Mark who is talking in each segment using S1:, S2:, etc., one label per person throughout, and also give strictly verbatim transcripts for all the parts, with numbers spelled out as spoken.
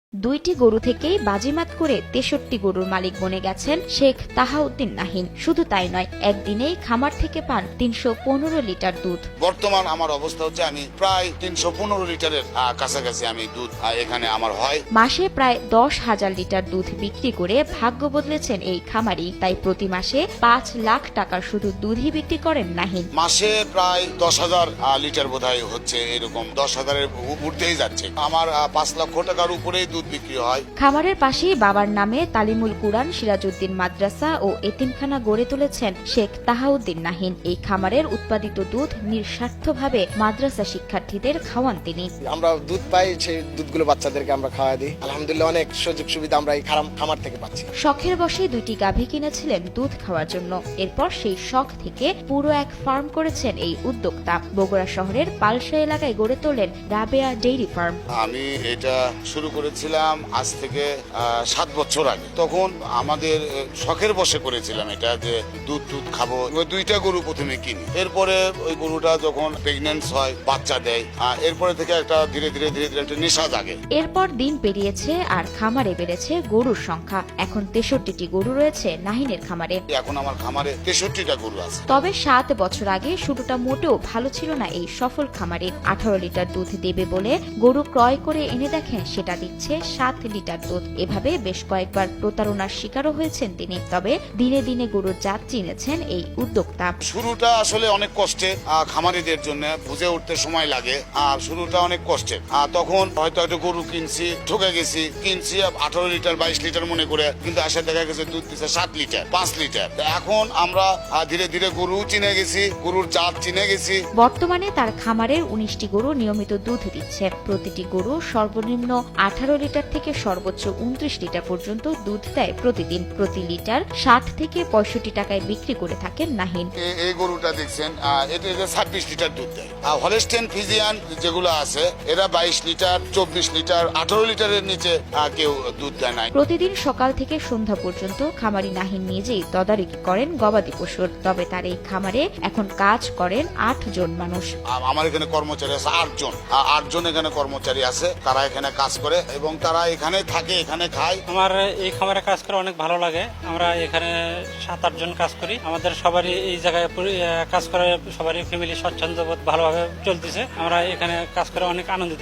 S1: দুইটি গরু থেকেই বাজিমাত করে তেষট্টি গরুর মালিক বনে গেছেন শেখ তাহাউদ্দিন নাহিন। শুধু তাই নয়, একদিনেই খামার থেকে পান তিনশো পনেরো লিটার দুধ।
S2: বর্তমান আমার অবস্থা হচ্ছে আমি প্রায় তিনশো পনেরো লিটারের কাছাকাছি আমি দুধ এখানে আমার হয়।
S1: মাসে প্রায় দশ হাজার লিটার দুধ বিক্রি করে ভাগ্য বদলেছেন এই খামারি। তাই প্রতি মাসে পাঁচ লাখ টাকার শুধু দুধই বিক্রি করেন নাহিন।
S2: মাসে প্রায় দশ হাজার লিটার বোধহয় হচ্ছে, এরকম দশ হাজারের উঠতেই যাচ্ছে। আমার পাঁচ লক্ষ টাকার উপরেই দুধ বিক্রি হয়।
S1: খামারের পাশেই বাবার নামে তালিমুল কুরআন সিরাজউদ্দিন মাদ্রাসা ও এতিমখানা গড়ে তুলেছেন শেখ তাহাউদ্দিন নাহিন। এই খামারের উৎপাদিত দুধ নিঃস্বার্থভাবে মাদ্রাসা শিক্ষার্থীদের খাওয়ান তিনি।
S3: আমরা দুধ পাই, সেই দুধগুলো বাচ্চাদেরকে আমরা খাওয়া দিই। আলহামদুলিল্লাহ অনেক সুযোগ সুবিধা আমরা এই খামার থেকে পাচ্ছি।
S1: শখের বশে দুইটি গাভী কিনেছিলেন দুধ খাওয়ার জন্য। এরপর সেই শখ থেকে পুরো এক ফার্ম করেছেন এই উদ্যোক্তা। বগুড়া শহরের পালসা এলাকায় গড়ে তোলেন রাবেয়া ডেইরি ফার্ম।
S2: আমি এটা শুরু করেছিলাম আজ থেকে সাত বছর আগে। তখন আমাদের শখের বশে করেছিলাম এটা, যে দুধ দুধ খাবো। ওই দুইটা গরু প্রথমে কিনি, এরপরে ওই গরুটা যখন প্রেগনেন্ট হয়, বাচ্চা দেয়, এরপরে থেকে একটা ধীরে ধীরে ধীরে ধীরে একটা নেশা জাগে।
S1: এরপর দিন পেরিয়েছে আর খামারে বেড়েছে গরুর সংখ্যা। এখন তেষট্টিটি গরু রয়েছে নাহিনের খামারে।
S2: এখন আমার খামারে তেষট্টিটা গরু আছে।
S1: তবে সাত বছর আগে শুরুটা মোটেও ভালো ছিল না এই সফল খামারে। আঠারো লিটার দুধ দেবে বলে গরু ক্রয় করে এনে দেখেন সেটা দিচ্ছে সাত লিটার দুধ। এভাবে বেশ কয়েকবার প্রতারণার শিকারও হয়েছেন তিনি। তবে দিনে দিনে গরুর জাত চিনেছেন এই উদ্যোক্তা।
S2: শুরুটা আসলে অনেক কষ্টে, খামারিদের জন্য বুঝে উঠতে সময় লাগে। আর শুরুটা অনেক কষ্টের। তখন হয়তো একটা গরু কিনছি, ঠকে গেছি, কিনছি আঠারো লিটার বাইশ লিটার মনে করে, কিন্তু আসে দেখা গেছে দুধ দিচ্ছে সাত লিটার পাঁচ লিটার। এখন আমরা ধীরে ধীরে গরু চিনে গেছি, গরুর জাত চিনে গেছি।
S1: বর্তমানে তার খামারের উনিশটি গরু নিয়মিত দুধ দিচ্ছে। প্রতিটি গরু সর্বনিম্ন আঠারো লিটার থেকে সর্বোচ্চ উনত্রিশ লিটার পর্যন্ত দুধ দেয় প্রতিদিন। প্রতি লিটার ষাট থেকে পঁয়ষট্টি টাকায় বিক্রি করে থাকেন নাহিন।
S2: এই গরুটা দেখছেন, এটা ছাব্বিশ লিটার দুধ দেয়। হলস্টেইন ফ্রিজিয়ান যেগুলো আছে এরা বাইশ লিটার, চব্বিশ লিটার, আঠারো লিটারের নিচে কেউ দুধ দেয় না।
S1: প্রতিদিন সকাল থেকে সন্ধ্যা পর্যন্ত খামারি নাহিন নিজেই তদারকি করেন গবাদি পশুর। তবে তার এই খামারে এখন কাজ করেন আট জন মানুষ।
S2: আমার এখানে কর্মচারী আছে আট জন আট জন এখানে কর্মচারী আছে, তারা এখানে কাজ করে এবং তারা এখানে থাকে, এখানে খায়।
S4: আমার এই খামারে কাজ করে অনেক ভালো লাগে। আমরা এখানে সাত আট জন কাজ করি। আমাদের সবারই এই জায়গায় কাজ করে সবারই ফ্যামিলি স্বচ্ছন্দ বোধ ভালোভাবে চলতেছে। আমরা এখানে কাজ করে অনেক আনন্দিত।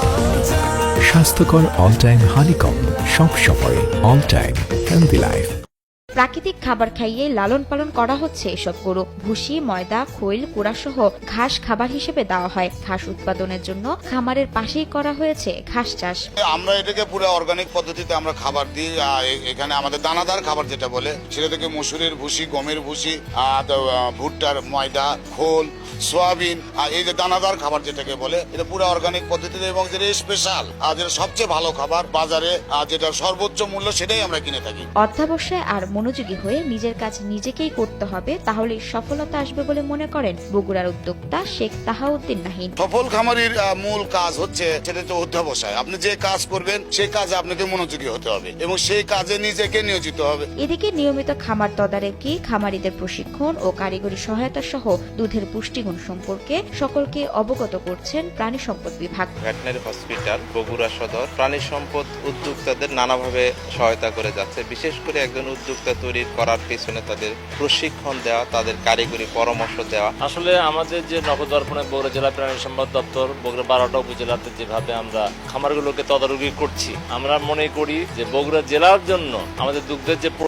S5: স্বাস্থ্যকর অল টাইম হানিকম, সব সময় অল টাইম হেলদি লাইফ।
S1: প্রাকৃতিক খাবার খাইয়ে লালন পালন করা হচ্ছে এসব গরু। ভুসি, ময়দা, খৈল, কুড়া সহ ঘাস খাবার হিসেবে দেওয়া হয়। ঘাস উৎপাদনের জন্য খামারের পাশেই করা হয়েছে ঘাস চাষ।
S2: আমরা এটাকে পুরো অর্গানিক পদ্ধতিতে আমরা খাবার দিই। এখানে আমাদের দানাদার খাবার যেটা বলে, সেটা থেকে মসুরের ভুসি, গমের ভুসি, ভুট্টার ময়দা, খোল, সোয়াবিন, এই যে দানাদার খাবার যেটাকে বলে, এটা পুরো অর্গানিক পদ্ধতিতে এবং যেটা স্পেশাল, যেটা সবচেয়ে ভালো খাবার বাজারে, যেটা সর্বোচ্চ মূল্য, সেটাই আমরা কিনে থাকি।
S1: অধ্যাবসায় আর মনোযোগী হয়ে নিজের কাজ নিজেকেই করতে হবে, তাহলে সফলতা আসবে বলে মনে করেন বগুড়ার উদ্যোক্তা শেখ তাহাউদ্দিন নাহিন।
S2: সফল খামারির মূল কাজ হচ্ছে সেটা হচ্ছে অধ্যাবসায়। আপনি যে কাজ করবেন সেই কাজে আপনাকে মনোযোগী হতে হবে এবং সেই কাজে নিজেকে নিয়োজিত হবে।
S1: এদিকে নিয়মিত খামার তদারকি, খামারিদের প্রশিক্ষণ ও কারিগরি সহায়তা সহ দুধের পুষ্টিগুণ সম্পর্কে সকলকে অবগত করছেন প্রাণী সম্পদ বিভাগ।
S6: ভেটেরিনারি হসপিটাল বগুড়া সদর প্রাণী সম্পদ উদ্যোক্তাদের নানাভাবে সহায়তা করে যাচ্ছে। বিশেষ করে একজন উদ্যোক্তা তৈরি করার পেছনে তাদের প্রশিক্ষণ দেওয়া, তাদের কারিগরি পরামর্শ দেওয়া।
S7: আসলে আমাদের যে নবদর্পণে বগুড়া জেলা প্রাণী সম্পদ দপ্তর বগুড়া বারোটা উপজেলাতে যেভাবে আমরা খামারগুলোকে তদারকি করছি, আমরা মনে করি যে বগুড়া জেলার জন্য আমাদের দুগ্ধের যে